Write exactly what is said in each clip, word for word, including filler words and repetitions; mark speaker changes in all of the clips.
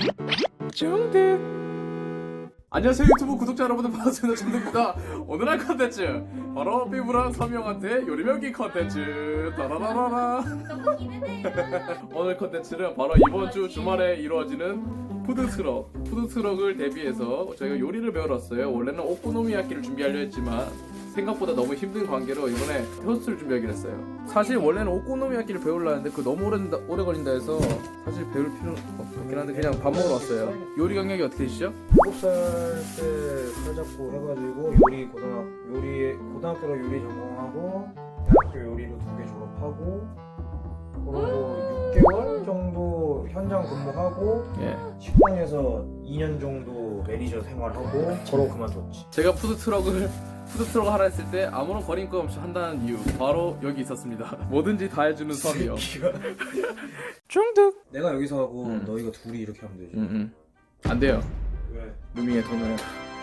Speaker 1: 중득. 안녕하세요 유튜브 구독자 여러분들, 반갑습니다. 중득입니다. 오늘 할 컨텐츠 바로 피부랑 서명한테 요리 배우기 컨텐츠. 따라라라라.
Speaker 2: 너무 기대돼요.
Speaker 1: 오늘 컨텐츠는 바로 이번 주 주말에 이루어지는 푸드트럭 푸드트럭을 대비해서 저희가 요리를 배우러 왔어요. 원래는 오코노미야끼를 준비하려 했지만 생각보다 너무 힘든 관계로 이번에 토스트를 준비하기로 했어요. 사실 원래는 오코노미야끼를 배우려 했는데 그 너무 오래, 오래 걸린다 해서 사실 배울 필요는 없긴 한데 그냥 밥 먹으러 왔어요. 요리 경력이 어떻게 되시죠?
Speaker 3: 일곱 살 때 살잡고 해가지고 요리 고등학 요리 고등학교로 요리 전공하고 대학교 요리로 두 개 졸업하고 그리고 육 개월 정도 현장 근무하고
Speaker 1: 예.
Speaker 3: 식당에서 이 년 정도 매니저 생활하고 그러고 그만뒀지.
Speaker 1: 제가 푸드트럭을 푸드트럭을 하라 했을 때 아무런 거림낌 없이 한다는 이유 바로 여기 있었습니다. 뭐든지 다 해주는 섬이요. 중득.
Speaker 3: 내가 여기서 하고
Speaker 1: 음.
Speaker 3: 너희가 둘이 이렇게 하면 되지.
Speaker 1: 응응. 안 돼요.
Speaker 3: 왜?
Speaker 1: 루밍의 돈을.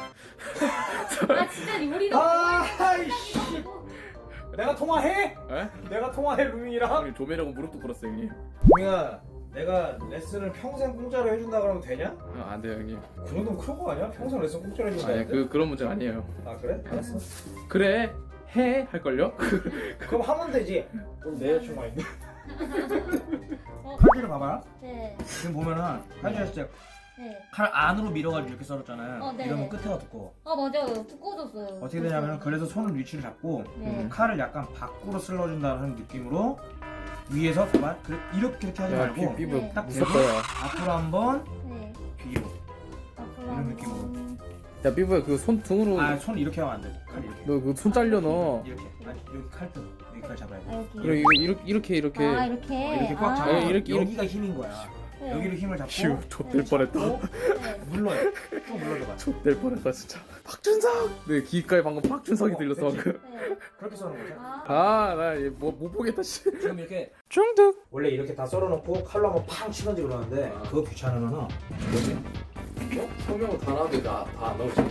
Speaker 2: 아 진짜 요리도
Speaker 3: 아이씨. 내가 통화해?
Speaker 1: 에?
Speaker 3: 내가 통화해 루밍이랑?
Speaker 1: 형님 조매라고 무릎도 꿇었어요 형님.
Speaker 3: 루밍아, 내가 레슨을 평생 공짜로 해준다 그러면 되냐?
Speaker 1: 아, 안 돼요 형님.
Speaker 3: 그 정도면 큰 거 아니야? 평생 레슨 공짜로
Speaker 1: 아니
Speaker 3: 해준다는데?
Speaker 1: 그 그런 문제는 아니에요.
Speaker 3: 아 그래? 알았어.
Speaker 1: 그래 해 할걸요?
Speaker 3: 그럼 하면 되지. 그럼 내 여자친구가 있네.
Speaker 2: 어,
Speaker 3: 칼질을 봐봐요.
Speaker 2: 네,
Speaker 3: 지금 보면은 칼질했을 때 칼
Speaker 2: 네.
Speaker 3: 안으로 밀어가지고 이렇게 썰었잖아요.
Speaker 2: 어, 네,
Speaker 3: 이러면
Speaker 2: 네.
Speaker 3: 끝에가 두꺼워.
Speaker 2: 아 맞아요. 두꺼워졌어요.
Speaker 3: 어떻게 되냐면 그래서 손을 위치를 잡고
Speaker 2: 네.
Speaker 3: 칼을 약간 밖으로 쓸러준다는 느낌으로 위에서 봐봐. 그래, 이렇게 이렇게 하지 말고
Speaker 1: 피부
Speaker 2: 네.
Speaker 3: 딱
Speaker 1: 무섭다.
Speaker 3: 대고 앞으로 한번
Speaker 2: 네.
Speaker 3: 뒤로.
Speaker 2: 앞으로
Speaker 3: 이런
Speaker 2: 한번.
Speaker 3: 느낌으로.
Speaker 1: 야 피부야 그 손 등으로
Speaker 3: 아 손 이렇게 하면 안 돼. 칼 이렇게.
Speaker 1: 너 그 손 잘려 너.
Speaker 3: 이렇게. 아니 여기 칼등 여기까지 잡아야 돼.
Speaker 2: 아 여기.
Speaker 1: 이렇게 이렇게 이렇게 이렇게.
Speaker 2: 아 이렇게.
Speaker 3: 어, 이렇게 꽉
Speaker 2: 아,
Speaker 3: 잡아.
Speaker 1: 예, 이렇게,
Speaker 3: 여기가 힘인 거야.
Speaker 2: 네.
Speaker 3: 여기로 힘을 잡고
Speaker 1: 휴 좆될 뻔했다.
Speaker 3: 잡고
Speaker 2: 네.
Speaker 3: 눌러요. 쭉 눌러줘봐.
Speaker 1: 좆될 뻔했다 진짜. 박준석. 네 귀가에 방금 박준석이
Speaker 3: 어,
Speaker 1: 들렸어
Speaker 3: 그치?
Speaker 1: 방금.
Speaker 2: 네.
Speaker 3: 그렇게 써는 거죠.
Speaker 2: 아.
Speaker 1: 아나뭐못 보겠다 씨.
Speaker 3: 지금 이렇게
Speaker 1: 중득.
Speaker 3: 원래 이렇게 다 썰어놓고 칼로 한번 팡 치던지 그러는데
Speaker 1: 아.
Speaker 3: 그거 귀찮으면은 뭐지?
Speaker 1: 어? 성명을 다 나오는데 나다안 나오지.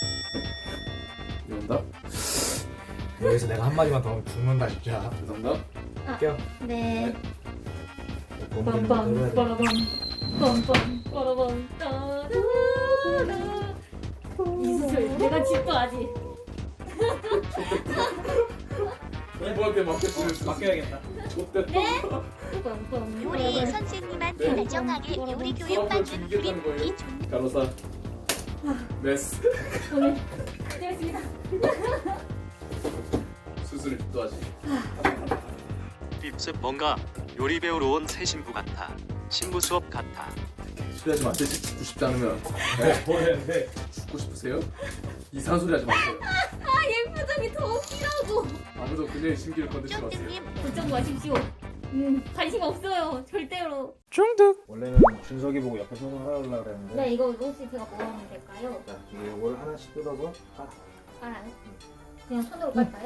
Speaker 1: 이런다.
Speaker 3: 여기서 내가 한 마디만 더 하면 죽는다 진짜.
Speaker 1: 죄송합니다.
Speaker 3: 할게요.
Speaker 2: 네.
Speaker 3: 빰빰
Speaker 2: 빰빰 빠라밤 빰빰 빠라밤 따라라. 이수철 내가 집도 아직.
Speaker 1: 이번에 맡겼으면
Speaker 3: 맡겨야겠다.
Speaker 1: 좆됐다.
Speaker 2: 빰빰
Speaker 4: 요리 선생님한테 다정하게 요리 교육받는 우리 이준
Speaker 1: 간호사. 메스.
Speaker 2: 오늘 되었습니다.
Speaker 1: 수술을 또 하지.
Speaker 5: 빕스 뭔가 요리 배우러 온 새 신부 같아. 신부 수업 같아.
Speaker 1: 소리 하지 마세요. 죽고 싶지 않으면.
Speaker 3: 뭐 했는데?
Speaker 1: 죽고 싶으세요? 이상한 소리 하지 마세요.
Speaker 2: 아얘 표정이 더 웃기라고.
Speaker 1: 아무도 그녀의 심기를 건드리지 마세요.
Speaker 4: 쫀득님
Speaker 2: 걱정 마십시오. 음 관심 없어요 절대로.
Speaker 1: 중득.
Speaker 3: 원래는 준석이 보고 옆에서 하려고 그랬는데
Speaker 2: 네 이거 혹시 제가 뭐 하면 될까요?
Speaker 3: 자, 이게 이걸 하나씩 뜯어서 아,
Speaker 2: 알아요? 그냥 손으로 깔까요?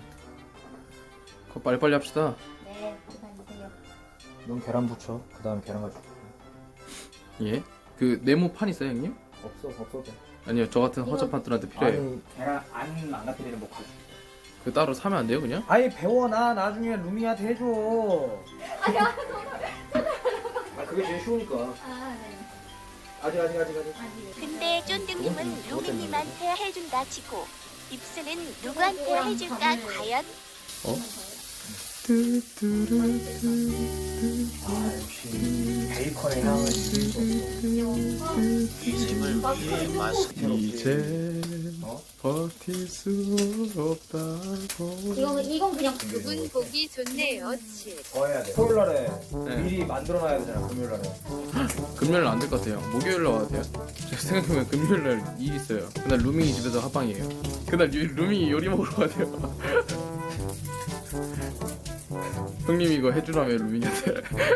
Speaker 1: 그거 빨리빨리 합시다.
Speaker 2: 네 기다리세요.
Speaker 3: 넌 계란 부쳐. 그 다음 계란 가지고.
Speaker 1: 예? 그 네모 판 있어요 형님?
Speaker 3: 없어 없어도 돼.
Speaker 1: 아니요 저 같은 허접한들한테 필요해요.
Speaker 3: 아니 계란 안 망가뜨리는 목 가지고.
Speaker 1: 그 따로 사면 안 돼요 그냥?
Speaker 3: 아니 배워놔. 나중에 루미한테 해줘.
Speaker 2: 아야
Speaker 3: 아 그게 제일 쉬우니까.
Speaker 2: 아 네.
Speaker 3: 아직 아직 아직 아직.
Speaker 2: 아직.
Speaker 4: 근데 쫀득님은 루미님한테 해준다 치고 입술은 누구한테 해줄까 과연?
Speaker 1: 어?
Speaker 3: 아 역시 베이컨의 향을 지울 수 없어.
Speaker 5: 인생을 위해 마스크
Speaker 1: 이제
Speaker 3: 어?
Speaker 1: 버틸 수 없다고.
Speaker 2: 이건 이건 그냥
Speaker 4: 두분 보기 좋네요 치.
Speaker 3: 더 해야 돼. 토요일 날에
Speaker 1: 네.
Speaker 3: 미리 만들어놔야 되잖아. 금요일 날에.
Speaker 1: 금요일은 안 될 것 같아요. 목요일로 와도 돼요. 제가 생각해보면 금요일날 일 있어요. 그날 루밍이 집에서 합방이에요. 그날 유, 루밍이 요리 먹으러 가야 돼요. 형님 이거 해주라며 루밍한테.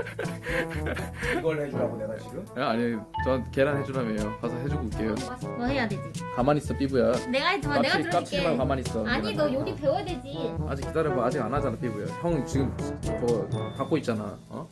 Speaker 3: 이걸 해주라고 내가 지금?
Speaker 1: 아, 아니 저 계란 해주라며요. 가서 해주고 올게요.
Speaker 2: 뭐 해야 되지?
Speaker 1: 가만히 있어 삐부야.
Speaker 2: 내가 해주면 내가
Speaker 1: 깝치지 깝치지 말고
Speaker 2: 들어줄게.
Speaker 1: 가만히 있어.
Speaker 2: 아니 너 요리 배워야 되지.
Speaker 1: 아직 기다려봐. 아직 안 하잖아 삐부야. 형 지금 저거 갖고 있잖아. 어?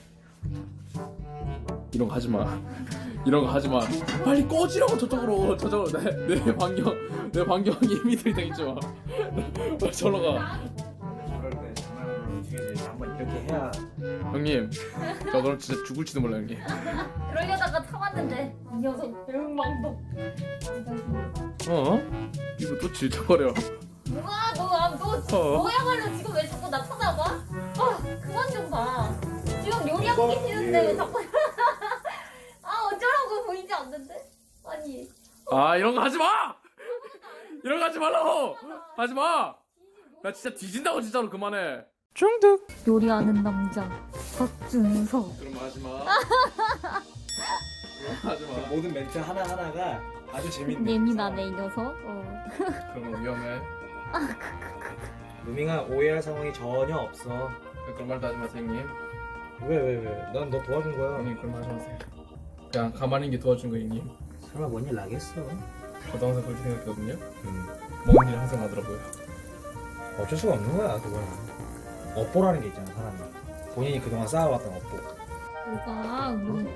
Speaker 1: 이런 거 하지 마. 이런 거 하지 마. 빨리 꺼지라고 저쪽으로. 저쪽으로 내, 내 반경 내 반경 이미 들이대있지 마. 빨리 저러 가.
Speaker 3: 그럴 때 장난으로 뒤에서 한번 이렇게 해야.
Speaker 1: 형님 저 그럼 진짜 죽을지도 몰라 형님.
Speaker 2: 그러려다가 참았는데. 녀석 대응망덕.
Speaker 1: 어? 이거 또 질척거려.
Speaker 2: 뭐야 너너
Speaker 1: 어.
Speaker 2: 너야말로 지금 왜 자꾸 나 쳐다봐? 아 그만 좀 봐. 지금 요리하고 계시는데 왜 자꾸 아 어쩌라고 보이지 않는데? 아니
Speaker 1: 아 이런 거 하지 마! 이런 거 하지 말라고! 하지 마! 나 진짜 뒤진다고 진짜로 그만해. 중득.
Speaker 2: 요리하는 남자 박준서.
Speaker 1: 그럼 하지 마. 하지 마.
Speaker 3: 모든 멘트 하나 하나가 아주 재밌네.
Speaker 2: 예민하네 이 녀석. 어.
Speaker 1: 그런 거 위험해.
Speaker 3: 루밍아 오해할 상황이 전혀 없어.
Speaker 1: 그런 말도 하지 마세요, 형님.
Speaker 3: 왜 왜 왜? 난 너 도와준 거야.
Speaker 1: 형님 그런 말 하지 마세요. 그냥 가만히 있는 게 도와준 거예요, 형님.
Speaker 3: 설마 뭔 일 나겠어?
Speaker 1: 저도 항상 그렇게 생각했거든요.
Speaker 3: 음.
Speaker 1: 먹는 일 항상 나더라고요.
Speaker 3: 어쩔 수가 없는 거야 그거는. 업보라는 게 있잖아 사람이. 본인이 그동안 쌓아왔던 업보.
Speaker 2: 뭐가 뭐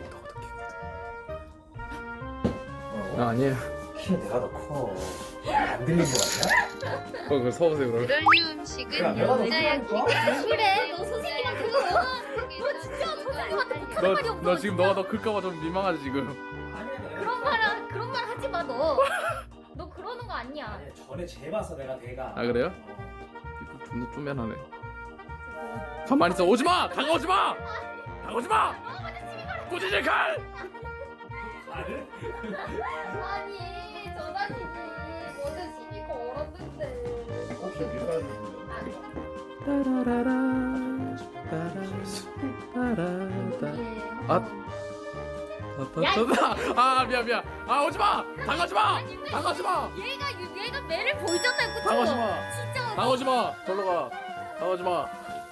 Speaker 1: 아, 아니에요.
Speaker 3: 키 내가 더 커. 안 들린 거 같냐?
Speaker 1: 어, 그걸 서보세요, 그럼.
Speaker 4: 그럴 음식은
Speaker 3: 야, 내가 더
Speaker 4: 여자야.
Speaker 3: 커.
Speaker 2: 그래 너 선생님한테 그거 너 진짜 선생님한테 못하는 말이
Speaker 1: 너,
Speaker 2: 없어.
Speaker 1: 너 지금 너가 더 클까봐 좀 민망하지, 지금.
Speaker 2: 그런 말 그런 말 하지 마 너. 너 그러는 거 아니야.
Speaker 3: 아니 전에 재봤어 내가 내가.
Speaker 1: 아, 그래요?
Speaker 3: 어.
Speaker 1: 이거 존나 쪼면하네. 가만히 있어. 오지 마! 다가오지 마! 다가오지 마! 꾸짖을 칼!
Speaker 3: 말을?
Speaker 2: 아니 저 자식이 먼저 시비 걸었는데.
Speaker 3: 혹시 밀가루?
Speaker 1: 따라라라. 아. 아, 미안, 미안. 아, 오지 마! 다가오지 마! 다가오지 마!
Speaker 2: 얘가 얘가 매를 보이잖아요, 그쵸?
Speaker 1: 다가오지 마!
Speaker 2: 진짜.
Speaker 1: 다가오지 마! 절로 가. 다가오지 마.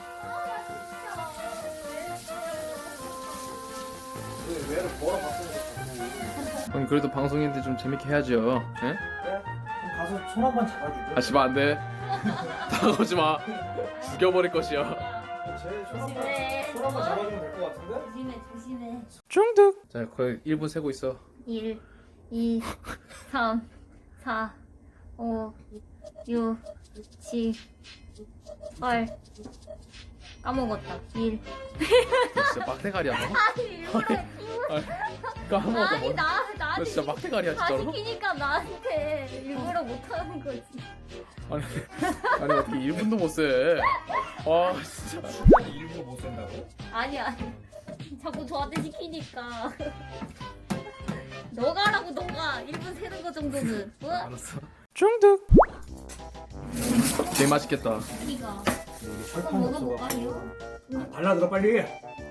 Speaker 3: 왜를 뭐라 바꾸는
Speaker 1: 형 그래도 방송인데 좀 재밌게 해야죠. 예?
Speaker 3: 그래? 그럼 가서 손 한 번 잡아줄게.
Speaker 1: 아, 씨발 안 돼. 다가오지 마. 죽여버릴 것이야.
Speaker 3: 쟤손 한 번,
Speaker 2: 조심해.
Speaker 3: 손 한 번 잡아주면 될 것 같은데?
Speaker 2: 조심해, 조심해.
Speaker 1: 중득. 자, 거의 일 분 세고 있어.
Speaker 2: 일, 이, 삼, 사, 오, 육, 칠, 팔. 까먹었다. 일.
Speaker 1: 진짜 막대가리야 너.
Speaker 2: 아니 일부러
Speaker 1: 까먹었다
Speaker 2: 아니
Speaker 1: 뭐.
Speaker 2: 나
Speaker 1: 너
Speaker 2: 나한테
Speaker 1: 진짜 막대가리야
Speaker 2: 다
Speaker 1: 진짜로.
Speaker 2: 시키니까 나한테 일부러 못하는 거지.
Speaker 1: 아니 아니 어떻게 일 분도 못 세. 아 진짜.
Speaker 3: 숫자를 일부러 못 쓴다고?
Speaker 2: 아니 아니 자꾸 저한테 시키니까. 너가 하라고 너가 일 분 세는 거 정도는. 뭐?
Speaker 1: 알았어. 중득. 되게 맛있겠다.
Speaker 2: 이가
Speaker 3: 여기
Speaker 2: 한번
Speaker 3: 철판
Speaker 2: 먹어볼까
Speaker 3: 없어.
Speaker 2: 이거?
Speaker 3: 아, 발라들어 빨리.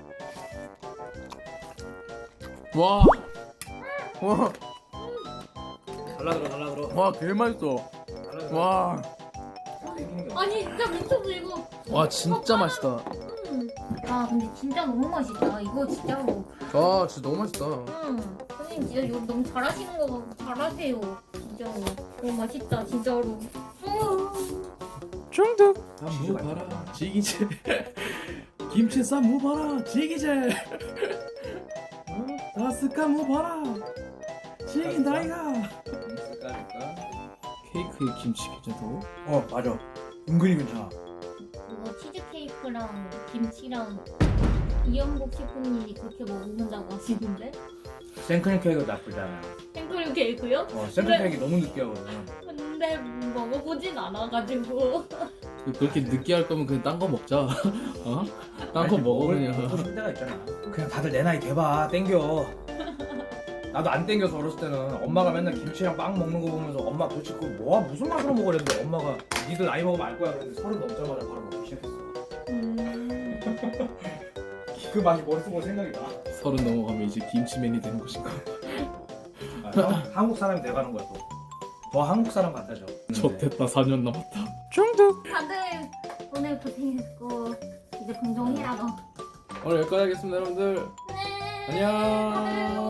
Speaker 1: 와. 와.
Speaker 3: 발라들어 발라들어.
Speaker 1: 와, 개 맛있어.
Speaker 3: 발라들어.
Speaker 1: 와.
Speaker 3: 땡기는 게
Speaker 2: 아니 진짜 미쳤어 이거.
Speaker 1: 와, 진짜 맛있다.
Speaker 2: 음. 아 근데 진짜 너무 맛있다. 이거 진짜로.
Speaker 1: 아, 진짜 너무 맛있다.
Speaker 2: 음. 선생님 진짜 이거 너무 잘하시는 거 잘하세요. 진짜로. 너무 맛있다 진짜로. 음.
Speaker 1: 중득.
Speaker 3: 무 봐라,
Speaker 1: 지기재. 김치 쌈무 봐라, 지기재. 다스카 무 봐라, 지긴다 이가. 케이크에 김치 괜찮다고?
Speaker 3: 어 맞아. 은근히 괜찮아.
Speaker 2: 이거 치즈케이크랑 김치랑 이영복 셰프님이 그렇게 먹는다고 하시는데?
Speaker 3: 생크림 케이크 나쁘지 않아.
Speaker 2: 생크림 케이크요?
Speaker 3: 어 생크림 케이크 너무 느끼하거든.
Speaker 2: 근데 먹어보진 않아가지고.
Speaker 1: 그렇게 느끼할 거면 그냥 딴 거 먹자. 어? 딴 거 먹어 그냥.
Speaker 3: 먹고 싶은 데가 있잖아. 그냥 다들 내 나이 돼봐. 땡겨. 나도 안 땡겨서 어렸을 때는 엄마가 맨날 김치랑 빵 먹는 거 보면서 엄마 도대체 그거 뭐야 무슨 맛으로 먹으랬는데 엄마가 니들 나이 먹으면 알 거야 그랬는데 서른 넘자마자 바로 먹기 시작했어.
Speaker 2: 음...
Speaker 3: 그 맛이 머릿속으로 생각이 나.
Speaker 1: 서른 넘어가면 이제 김치맨이 되는 것인가?
Speaker 3: 아, 형, 한국 사람이 돼가는 거야 또. 더 한국 사람 같아져.
Speaker 1: 좋됐다. 사 년 남았다. 중득.
Speaker 2: 다들 오늘 고생했고 이제 방송해라 너.
Speaker 1: 오늘 여기까지 하겠습니다 여러분들.
Speaker 2: 네.
Speaker 1: 안녕.